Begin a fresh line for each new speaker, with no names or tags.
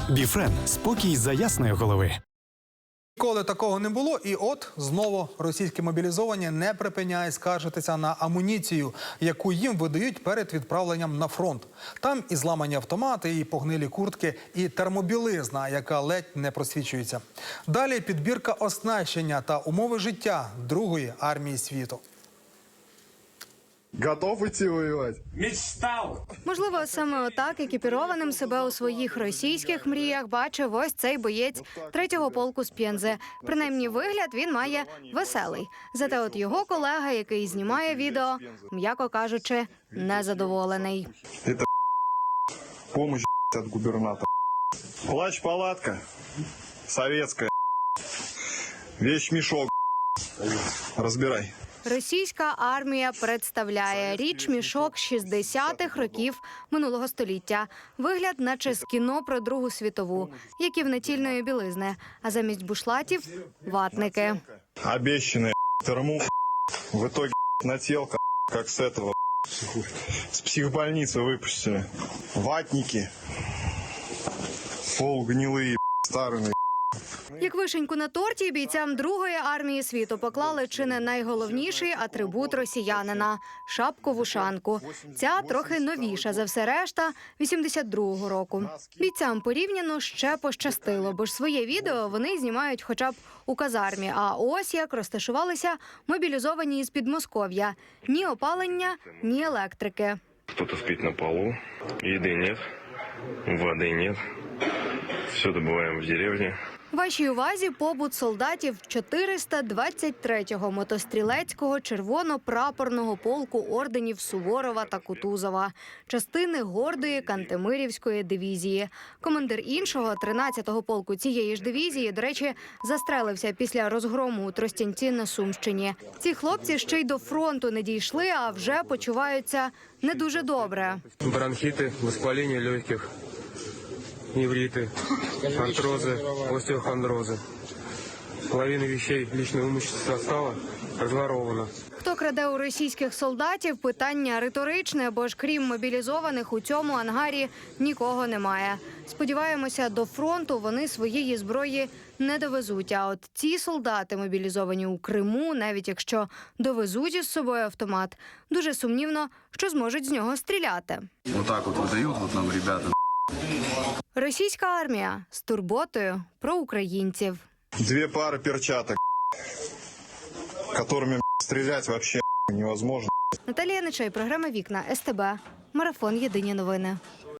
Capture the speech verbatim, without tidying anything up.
Біфрен – спокій за ясної голови.
Ніколи такого не було, і от знову російські мобілізовані не припиняють скаржитися на амуніцію, яку їм видають перед відправленням на фронт. Там і зламані автомати, і погнилі куртки, і термобілизна, яка ледь не просвічується. Далі підбірка оснащення та умови життя Другої армії світу.
Готов идти воевать?
Мечтав!
Можливо, саме отак екіпірованим себе у своїх російських мріях бачив ось цей боєць третього полку з Пензи. Принаймні, вигляд він має веселий. Зате от його колега, який знімає відео, м'яко кажучи, незадоволений.
Это помощь от губернатора. Плащ-палатка советская. Вещь-мешок. Разбирай.
Російська армія представляє річ-мішок шістдесятих років минулого століття. Вигляд, наче з кіно про Другу світову, як і в націльної білизни, а замість бушлатів – ватники.
Обещанная термух. В итоге нателка, как с этого, с психбольницы выпустили. Ватники. Полугнилые, старые.
Як вишеньку на торті, бійцям Другої армії світу поклали чи не найголовніший атрибут росіянина – шапку-вушанку. Ця трохи новіша за все решта – вісімдесят другого року. Бійцям порівняно ще пощастило, бо ж своє відео вони знімають хоча б у казармі. А ось як розташувалися мобілізовані із Підмосков'я. Ні опалення, ні електрики.
Кто-то спит на полу, еды нет, воды нет. Все добываем в деревне.
Вашій увазі побут солдатів чотириста двадцять третього мотострілецького червоно-прапорного полку орденів Суворова та Кутузова, частини гордої Кантемирівської дивізії. Командир іншого, тринадцятого полку цієї ж дивізії, до речі, застрелився після розгрому у Тростянці на Сумщині. Ці хлопці ще й до фронту не дійшли, а вже почуваються не дуже добре.
Бронхіти, воспалення легких. Невриты, артрозы, остеохондрозы. Половина вещей личного имущества состава разворована.
Хто краде у російських солдатів – питання риторичне, бо ж крім мобілізованих у цьому ангарі нікого немає. Сподіваємося, до фронту вони своєї зброї не довезуть. А от ці солдати, мобілізовані у Криму, навіть якщо довезуть із собою автомат, дуже сумнівно, що зможуть з нього стріляти.
Вот так вот выдают вот нам ребята.
Російська армія з турботою про українців.
Две пары перчаток, которыми стрелять вообще невозможно.
Наталія Нечай, програма «Вікна», ес те бе, марафон «Єдині новини».